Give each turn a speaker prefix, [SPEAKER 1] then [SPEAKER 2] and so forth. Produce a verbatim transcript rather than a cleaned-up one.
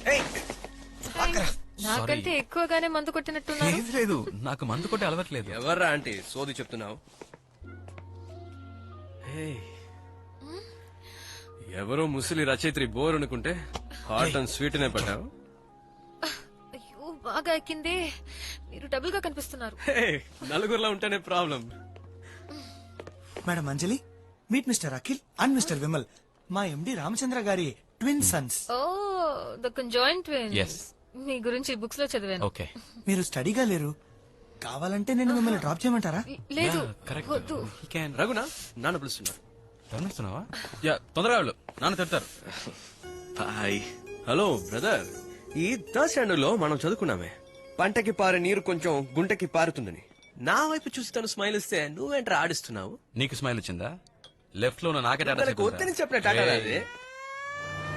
[SPEAKER 1] నాకంటే ఎక్కువగానే మందు కొట్టినట్టున్నారు.
[SPEAKER 2] లేదు లేదు, నాకు మందు కొట్టే అలవాట్లేదు.
[SPEAKER 3] ఎవర్రా ఆంటీ సోది చెప్తున్నావు? ఎవరో ముసలి రచయిత్రి బోర్ అనుకుంటే హాట్ అండ్ స్వీట్ నే పడ్డావు.
[SPEAKER 1] అయ్యో బాగా ఎక్కిందే. మీరు డబుల్ గా కనిపిస్తున్నారు.
[SPEAKER 3] నలుగురులో ఉంటేనే problem.
[SPEAKER 4] Madam Anjali, meet mister Akhil and mister Vimal, మా ఎండి రామచంద్ర గారి twin sons.
[SPEAKER 1] Oh the conjoined twins.
[SPEAKER 2] Yes.
[SPEAKER 1] మీ గురించి బుక్స్ లో చదివాను.
[SPEAKER 2] ఓకే.
[SPEAKER 4] మీరు స్టడీగా లేరు, కావాలంటే నేను మిమ్మల్ని డ్రాప్ చేయమంటారా?
[SPEAKER 1] లేదు
[SPEAKER 2] కరెక్ట్.
[SPEAKER 1] వద్దు.
[SPEAKER 3] రఘునా నాన్న పిలుస్తున్నారు.
[SPEAKER 2] గమనిస్తున్నావా? యా, తొందరగా వెళ్ళు, నాన్న తిడతారు.
[SPEAKER 3] హాయ్. హలో బ్రదర్, ఈ థర్డ్ స్టాండర్డ్ లో మనం చదువుకున్నామే, పంటకి పారే నీరు కొంచెం గుంటకి పారుతుందని. నా వైపు చూసి తను స్మైల్ ఇస్తే నువ్వేంట్రా ఆడిస్తున్నావు?
[SPEAKER 2] నీకు స్మైల్ వచ్చిందా? లెఫ్ట్ లో ఉన్న నాకే టాటా
[SPEAKER 3] తనకు
[SPEAKER 2] చెప్పారా?
[SPEAKER 3] వద్దని చెప్పిన టాటా
[SPEAKER 2] ఏయ్,
[SPEAKER 3] రాదే.